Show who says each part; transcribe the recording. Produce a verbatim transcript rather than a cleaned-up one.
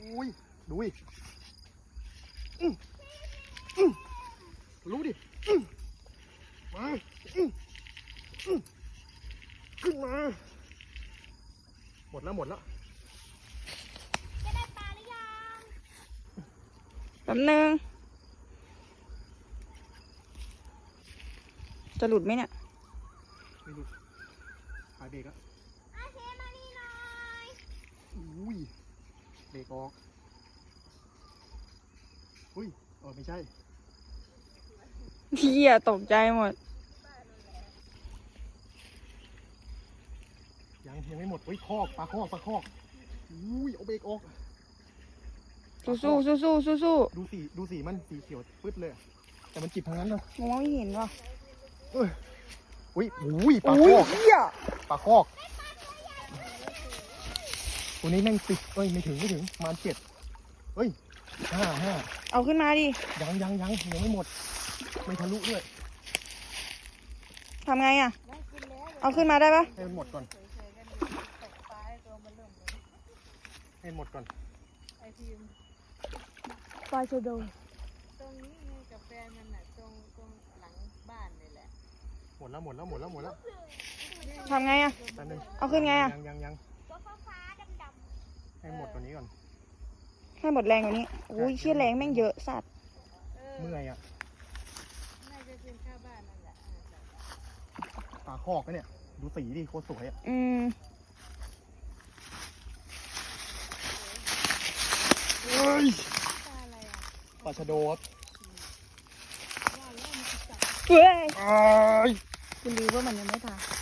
Speaker 1: อุ้ยดูดิอื้ออื้อรู้ดิอื้อมาอื้ออื้อขึ้นมาหมดแล้วหมดแล้ว
Speaker 2: จะได้ปลาหรือยัง
Speaker 3: แป๊บนึงจะหลุดไหมเนี่ย
Speaker 1: ไม่หลุดหายเบรกแล้ว
Speaker 2: อาเชมานี่หน่อย
Speaker 1: อุ้ยเบรกออกอุ้ยเออไม่ใช่
Speaker 3: เฮียตกใจหมด
Speaker 1: ยังยังไม่หมดอุ้ยคอกปลาคอกปลาคอกอุ้ยเอาเบรกออก
Speaker 3: สู้สู้สู้สู้สู้สู้
Speaker 1: ดูสีดูสีมันสีเขียวปึ๊ดเลยอะแต่มันจิบทั้งนั้นเลย
Speaker 3: มองไม่เห็นว่ะ
Speaker 1: เอ้ยอุ้ยอุ้ยปลาค
Speaker 3: อุ้ย
Speaker 1: อก
Speaker 3: เฮีย
Speaker 1: ปลาคอกตัวนี้แม่งติดเอ้ยไม่ถึงไม่ถึงประมาณเจ็ดเอ้ยห้าห้า
Speaker 3: เอาขึ้นมาดิ
Speaker 1: ยังยังยังยังไม่หมดไม่ทะลุด้วย
Speaker 3: ทำไงอ่ะเอาขึ้นมาได้ปะ
Speaker 1: ให้มันหมดก่อนให้หมดก่อน
Speaker 3: ปลาชะโด
Speaker 4: ตรงนี้ไงกับแฟนมันน่ะตรงตรงหลังบ้านนี่แหละ
Speaker 1: หมดแล้วหมดแล้วหมดแล้วหมดแล้ว
Speaker 3: ทำไงอ่ะ
Speaker 1: แป๊บนึง
Speaker 3: เอาขึ้นไงอะ
Speaker 1: ยังยังยัง
Speaker 2: ตัวฟ้าๆดำ
Speaker 1: ให้หมดตัวนี้ก่อน
Speaker 3: ให้หมดแรงกว่านี้อุ้ยเชี่ยแรงแม่งเยอะสัตว์
Speaker 4: เออ
Speaker 1: เมื่อยอ่ะ
Speaker 4: น่าจะเป็นข้าวบ้านนั่นแหละเออจ้ะ
Speaker 1: ปลาคอกนะเนี่ยดูสีดิโคตรสวยอ่ะ
Speaker 3: อืม
Speaker 1: เฮ้ย
Speaker 4: ปลาอะไรอ่ะ
Speaker 1: ปลาชะโดครับ
Speaker 3: เฮ้ย
Speaker 1: อ้าย
Speaker 3: คุณดีว่ามันยังไม่ตาย